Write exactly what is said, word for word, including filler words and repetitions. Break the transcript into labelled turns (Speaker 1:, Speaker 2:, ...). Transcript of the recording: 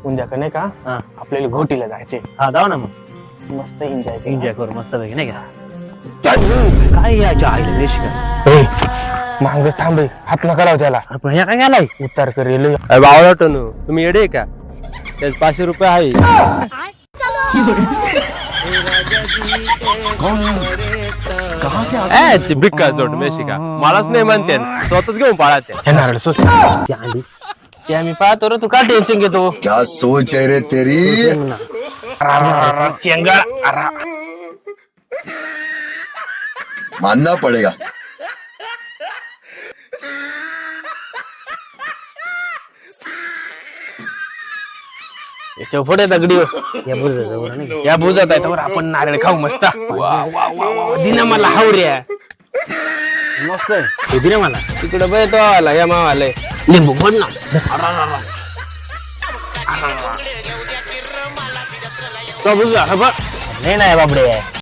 Speaker 1: उद्या का नाही का
Speaker 2: हा
Speaker 1: आपल्याला घोटीला जायचे.
Speaker 2: हा जाऊ ना मग
Speaker 1: मस्त एन्जॉय
Speaker 2: एन्जॉय करू मस्त पैकी नाही का. काय याच्या आईला वेश का
Speaker 1: मांगच थांबे हात नका लाव त्याला.
Speaker 2: आपण ह्या काय गेलाय
Speaker 1: उतार करेल.
Speaker 3: बावळा टनू तुम्ही येडे का त्याच पाचशे रुपये आहे. ची भिक्का जोड मेशी का मलाच नाही म्हणते स्वतःच घेऊन पाळा त्या
Speaker 1: हे नारळ सोड.
Speaker 2: ती अंडी
Speaker 1: ते आम्ही पाहतो रे, तू का टेन्शन घेतो.
Speaker 4: क्या सोच है रे तेरी.
Speaker 1: चेंगळ
Speaker 4: मानना पड़ेगा.
Speaker 1: याच्या पुढे दगडी
Speaker 2: या बुरजा जवळ नाही का?
Speaker 1: या बुजात आहे तर आपण नारळ खाऊ मस्त. वा वा वा वा दिन मला हावऱ्या
Speaker 2: मस्त आहे हे दिले मला
Speaker 1: तिकडे बघ तो आला या मावाला
Speaker 2: लिंबू बोल ना
Speaker 1: तो बुजला हा बघ.
Speaker 2: नाही नाही बाबडे